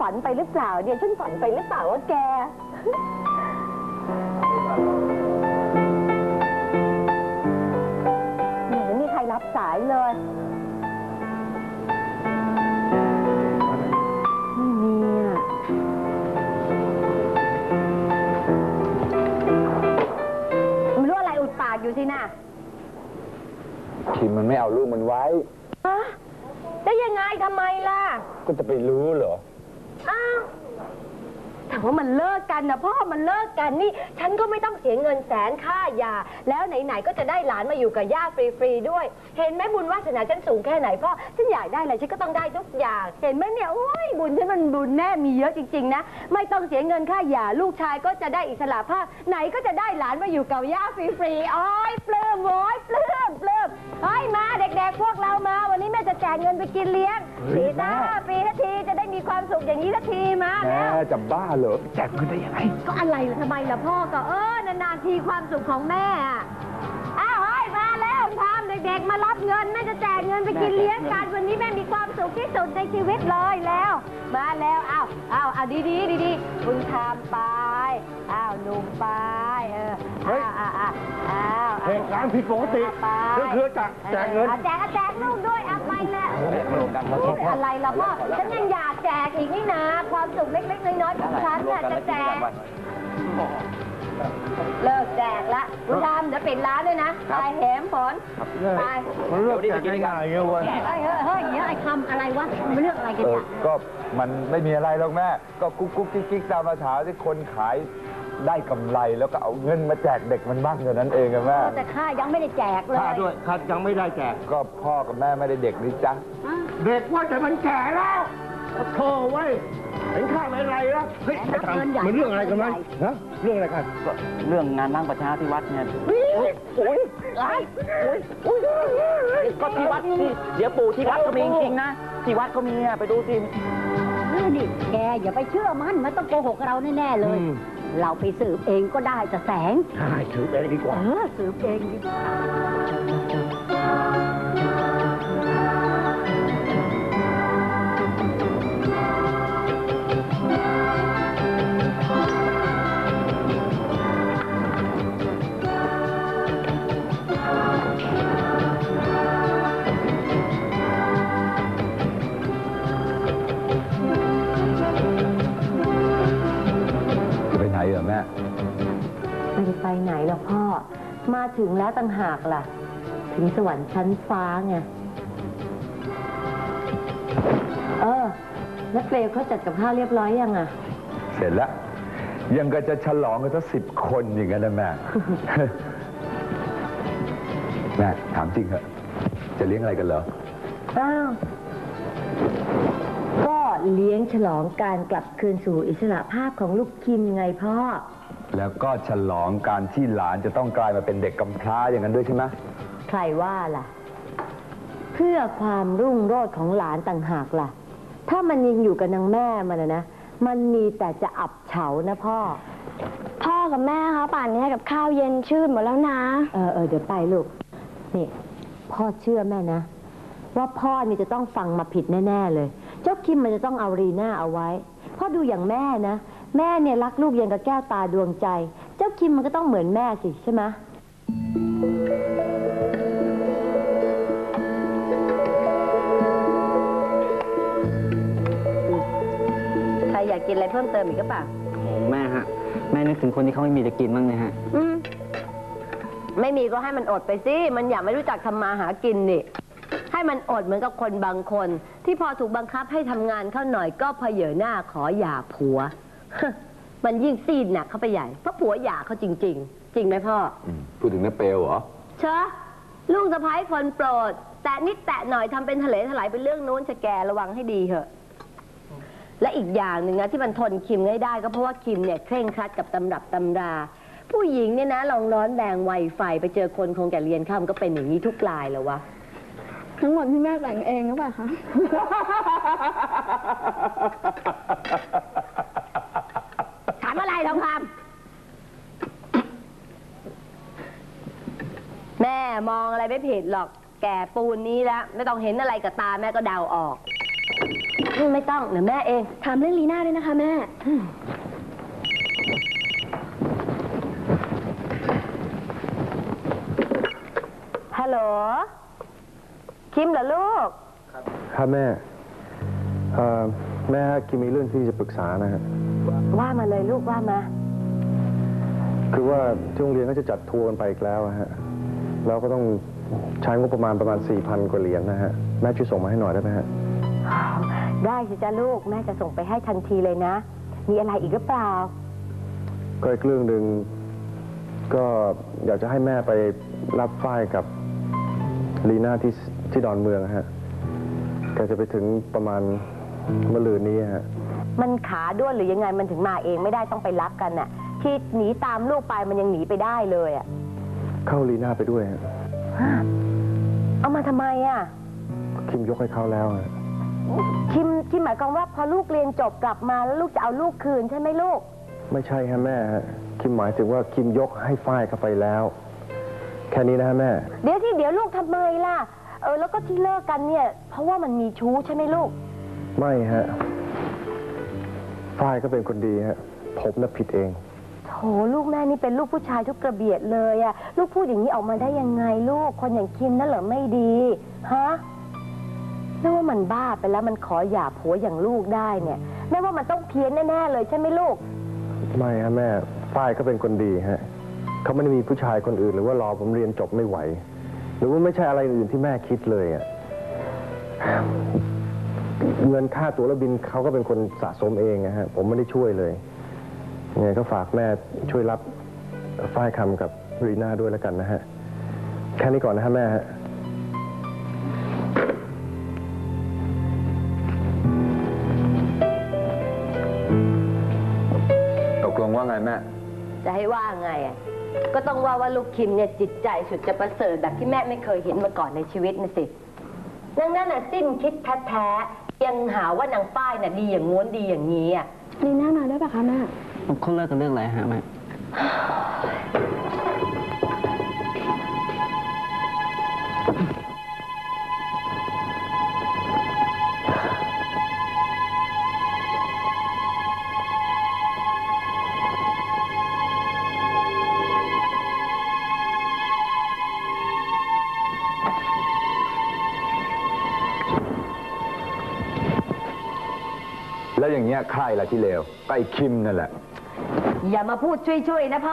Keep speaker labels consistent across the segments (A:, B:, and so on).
A: ฝันไปหรือเปล่าเนี่ยฉันฝันไปหรือเปล่าว่าแกไม่มีใครรับสายเลยไม่มีอ่ะไม่รู้อะไรอุดปากอยู่สินะ
B: คิมมันไม่เอาลูกมันไว้
A: ฮะได้ยังไงทำไมล่ะ
B: ก็จะไปรู้เหรอ
A: อ้าวแต่ว่ามันเลิกกันนะพ่อมันเลิกกันนี่ฉันก็ไม่ต้องเสียเงินแสนค่ายาแล้วไหนๆก็จะได้หลานมาอยู่กับย่าฟรีๆด้วยเห็นไหมบุญวาสนาฉันสูงแค่ไหนพ่อฉันอยากได้อะไรฉันก็ต้องได้ทุกอย่างเห็นไหมเนี่ยโอ้ยบุญฉันมันบุญแน่มีเยอะจริงๆนะไม่ต้องเสียเงินค่ายาลูกชายก็จะได้อิสระภาพไหนก็จะได้หลานมาอยู่กับย่าฟรีๆโอ้ยปลื้มโว้ยปลื้มเฮ้ยมาเด็กๆพวกเรามาวันนี้แม่จะแจกเงินไปกินเลี้ยงปีทันทีจะได้มีความสุขอย่างนี้ทันทีมาแล้ว
B: จะบ้าเหรอแจกเงินได้ยังไง
A: ก็อะไรล่ะทำไมล่ะพ่อก็นานๆทีความสุขของแม่อ้าวเฮ้ยมาแล้วทำเด็กๆมารับเงินแม่จะแจกเงินไปกินเลี้ยงกันวันนี้แม่มีความสุขที่สุดในชีวิตเลยแล้วมาแล้วเอาดีคุณทำไปหนุ่มไป
B: เหตุการณ์ผิดปกติคือจะแจกเงิน
A: แจกลูกด้วยไปแล้วอะไรล่ะพ่อฉันยังอยากแจกอีกนี่นะความสุขเล็กๆน้อยๆของฉันเนี่ยจะแจกเลิกแจกละคุณทำเดี๋ยวปิดร้านด้วยนะไปแหมฝนไป
B: มันเลือกแจกง่ายๆเงี้ยวัน
A: เฮ้ยไอ้คำอะไรวะมันเลือกอะไรกันจ้ะ
B: ก็มันไม่มีอะไรหรอกแม่ก็กุ๊กกิ๊กตามภาษาที่คนขายได้กำไรแล้วก็เอาเงินมาแจกเด็กมันบ้างเท่านั้นเองอะแม่
A: แต่ข้ายังไม่ได้แจกเลย
B: ข้าด้วยข้ายังไม่ได้แจกก็พ่อกับแม่ไม่ได้เด็กนี่จ๊ะเด็กว่าแต่มันแก่แล้วโธ่ไว้เห็นข้าไม่ไรแล้วเฮ้ยไปทำมันเรื่องอะไรกันมั้ยฮะเรื่องอะไรกัน
C: ก็เรื่องงานนั่งประชาที่วัดเนี่ยก็ที่วัดที่เดี๋ยวปู่ที่วัดก็มีจริงๆนะที่วัดก็มีไปดูสิ
A: นี่แกอย่าไปเชื่อมันต้องโกหกเราแน่ๆเลยเราไปสืบเองก็ได้จะแสง
B: ใช่สืบเองดีกว่า
A: สืบเองดีกว่า
B: แม่
A: ไม่ได้ไปไหนหรอกพ่อมาถึงแล้วต่างหากล่ะถึงสวรรค์ชั้นฟ้าไงแล้วเปลวเขาจัดกับข้าวเรียบร้อยยังอ่ะ
B: เสร็จแล้วยังก็จะฉลองกันสัก10 คนอย่างนั้นนะแม่ แม่ถามจริงเหรอจะเลี้ยงอะไรกันเหรอ
A: ก็เลี้ยงฉลองการกลับคืนสู่อิสระภาพของลูกคิมไงพ่อ
B: แล้วก็ฉลองการที่หลานจะต้องกลายมาเป็นเด็กกำพร้าอย่างนั้นด้วยใช่ไหม
A: ใครว่าล่ะเพื่อความรุ่งโรจน์ของหลานต่างหากล่ะถ้ามันยังอยู่กับนางแม่มันนะมันมีแต่จะอับเฉานะพ่อ
D: กับแม่คะป่านนี้กับข้าวเย็นชื่นหมดแล้วนะ
A: เดี๋ยวไปลูกนี่พ่อเชื่อแม่นะว่าพ่อนี่จะต้องฟังมาผิดแน่ๆเลยเจ้าคิมมันจะต้องเอารีน่าเอาไว้พ่อดูอย่างแม่นะแม่เนี่ยรักลูกยังกับแก้วตาดวงใจเจ้าคิมมันก็ต้องเหมือนแม่สิใช่ไหมใครอยากกินอะไรเพิ่มเติมอีกก็เปล่า
C: แม่ฮะแม่นึกถึงคนที่เขาไม่มีจะกินบ้างเนี่ยฮะ
A: ไม่มีก็ให้มันอดไปสิมันอยากไม่รู้จักทำมาหากินนี่ให้มันอดเหมือนกับคนบางคนที่พอถูกบังคับให้ทำงานเข้าหน่อยก็เผยหน้าขอหย่าผัว มันยิ่งซีดหนักเข้าไปใหญ่เพราะผัวหย่าเขาจริงๆจริงไหมพ่อ
B: พูดถึงน้าเปลวเหรอ
A: เชอะลูกสะใภ้คนโปรดแต่นิดแตะหน่อยทำเป็นทะเลถลายเป็นเรื่องนู้นจะแกระวังให้ดีเถอะและอีกอย่างหนึ่งนะที่มันทนคิมได้ก็เพราะว่าคิมเนี่ยเคร่งครัดกับตำรับตำราผู้หญิงเนี่ยนะลองร้อนแรงไวไฟไปเจอคนคงจะเรียนข้ามก็เป็นอย่างนี้ทุกรายแล้ววะ
D: ทั้งหมดที่แม่แต่งเองหรือเปล่าคะ
A: ถามอะไรทองคำแม่มองอะไรไม่ผิดหรอกแก่ปูนนี้แล้วไม่ต้องเห็นอะไรกับตาแม่ก็เดาออกไม่ต้องเดี๋ยวแม่เอง
D: ถามเรื่องลีน่าด้วยนะคะแม่
A: ฮัลโหล คิมเหรอลูก
B: ครับแม่แม่คิมมีเรื่องที่จะปรึกษานะฮะ
A: ว่ามาเลยลูกว่ามา
B: คือว่าที่โรงเรียนก็จะจัดทัวร์กันไปอีกแล้วอะฮะแล้วก็ต้องใช้งบประมาณ 4,000 กว่าเหรียญนะฮะ แม่ช่วยส่งมาให้หน่อยได้ไหมฮะ
A: ได้สิจ้าลูกแม่จะส่งไปให้ทันทีเลยนะ มีอะไรอีกหรือเปล่า
B: ก็อีกเรื่องหนึ่งก็อยากจะให้แม่ไปรับฝ้ายกับลีน่าที่ดอนเมืองฮะแกจะไปถึงประมาณมะรืนนี้ฮะ
A: มันขาด้วนหรือยังไงมันถึงมาเองไม่ได้ต้องไปรับกันน่ะ ที่หนีตามลูกไปมันยังหนีไปได้เลยอ่ะ
B: เข้าลีน่าไปด้วยฮะ
A: เอามาทำไมอ่ะ
B: คิมยกให้เขาแล้วฮะ
A: คิมหมายความว่าพอลูกเรียนจบกลับมาแล้วลูกจะเอาลูกคืนใช่ไหมลูก
B: ไม่ใช่ฮะแม่ฮะคิมหมายถึงว่าคิมยกให้ฝ้ายเข้าไปแล้ว แค่นี้นะฮะแม่
A: เดี๋ยวลูกทำไมล่ะแล้วก็ที่เลิกกันเนี่ย เพราะว่ามันมีชู้ใช่ไหมลูก
B: ไม่ฮะฝ้ายก็เป็นคนดีฮะผมน่ะผิดเอง
A: โถลูกแม่นี่เป็นลูกผู้ชายทุกกระเบียดเลยอะลูกพูดอย่างนี้ออกมาได้ยังไงลูกคนอย่างคิมนั่นเหรอไม่ดีฮะแม่ว่ามันบ้าไปแล้วมันขอหย่าผัวอย่างลูกได้เนี่ยแม่ว่ามันต้องเพี้ยนแน่ๆเลยใช่ไหมลูก
B: ไม่ฮะแม่ฝ้ายก็เป็นคนดีฮะเขาไม่ได้มีผู้ชายคนอื่นหรือว่ารอผมเรียนจบไม่ไหว หรือว่าไม่ใช่อะไรอื่นที่แม่คิดเลยอ่ะเงินค่าตั๋วและบินเขาก็เป็นคนสะสมเองนะฮะผมไม่ได้ช่วยเลยยังไงก็ฝากแม่ช่วยรับฝ้ายคำกับรีน่าด้วยแล้วกันนะฮะแค่นี้ก่อนนะฮะแม่ฮะ
E: ตกลงว่าไงแม่
A: จะให้ว่าไงอ่ะก็ต้องว่าลูกคิมเนี่ยจิตใจสุดจะประเสริฐแบบที่แม่ไม่เคยเห็นมาก่อนในชีวิตนะสินางนั่นน่ะสิ้นคิดแท้ๆยังหาว่านางป้ายน่ะดีอย่างง้วนดีอย่างนี้อ่ะ
D: ลีน่านอนได้ปะคะแม่
C: เขาเลิกกันเรื่องอะไรฮะแม่
E: แล้วอย่างเงี้ยใครล่ะที่เลวก็ไอ้คิมนั่นแหละ
A: อย่ามาพูดช่วยๆนะพ่อ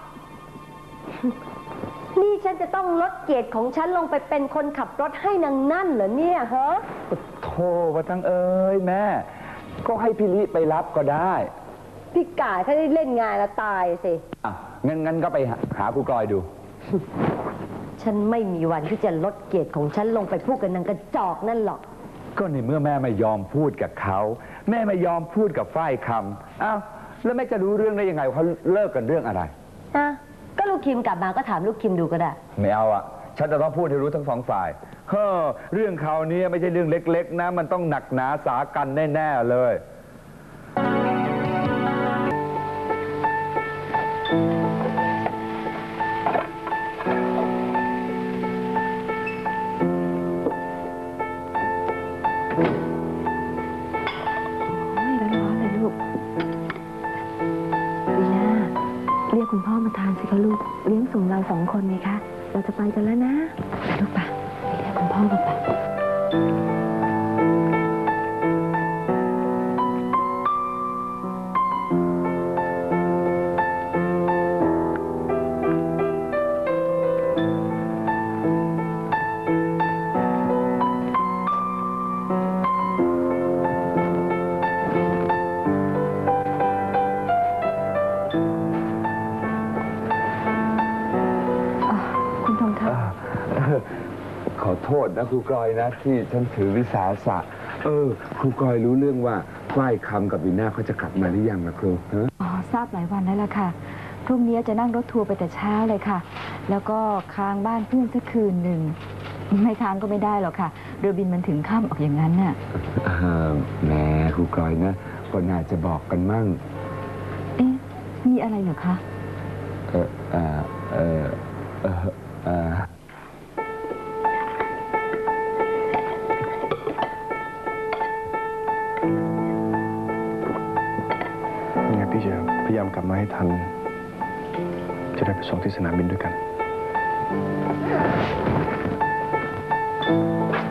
A: นี่ฉันจะต้องลดเกียรติของฉันลงไปเป็นคนขับรถให้นางนั่นเหรอเนี่ยฮะ
E: โธ่ว่าทั้งเอ้ยแม่ ก็ให้พี่ลิไปรับก็ได้
A: พี่กายถ้าได้เล่นงานแล้วตายสิ
E: อ่ะงั้นก็ไปหาครูกลอยดู
A: ฉันไม่มีวันที่จะลดเกียรติของฉันลงไปพูดกับนางกระจอกนั่นหรอก
E: ก็ในเมื่อแม่ไม่ยอมพูดกับเขาแม่ไม่ยอมพูดกับฝ้ายคำอ้าวแล้วแม่จะรู้เรื่องได้ยังไงว่าเขาเลิกกันเรื่องอะไร
A: นะก็ลูกคิมกลับมาก็ถามลูกคิมดูก็ได้
E: ไม่เอาอ่ะฉันจะต้องพูดให้รู้ทั้งสองฝ่ายเฮ้อเรื่องเขาวนี้ไม่ใช่เรื่องเล็กๆนะมันต้องหนักหนาสากันแน่ๆเลย
A: เรียกคุณพ่อมาทานสิคะลูกเลี้ยงส่งเรา2 คนไงคะเราจะไปกันแล้วนะลูกป่ะเรียกคุณพ่อมาป่ะ
E: ขอโทษนะครูกลอยนะที่ฉันถือวิสาสะครูกลอยรู้เรื่องว่าฝ้ายคำกับวีน่าเขาจะกลับมาหรือยังนะครูฮะ
F: ทราบหลายวันแล้วล่ะค่ะ พรุ่งนี้จะนั่งรถทัวร์ไปแต่เช้าเลยค่ะ แล้วก็ค้างบ้านเพื่อนสักคืนหนึ่ง ไม่ค้างก็ไม่ได้หรอกค่ะ เรือบินมันถึงค่ำออกอย่างนั้นน่ะ
E: แหมครูกลอยนะก็น่าจะบอกกันมั่ง
F: เอ๊ะ มีอะไรเหรอคะ
E: ค
B: พยายามกลับมาให้ทัน จะได้ไปส่งที่สนามบินด้วยกัน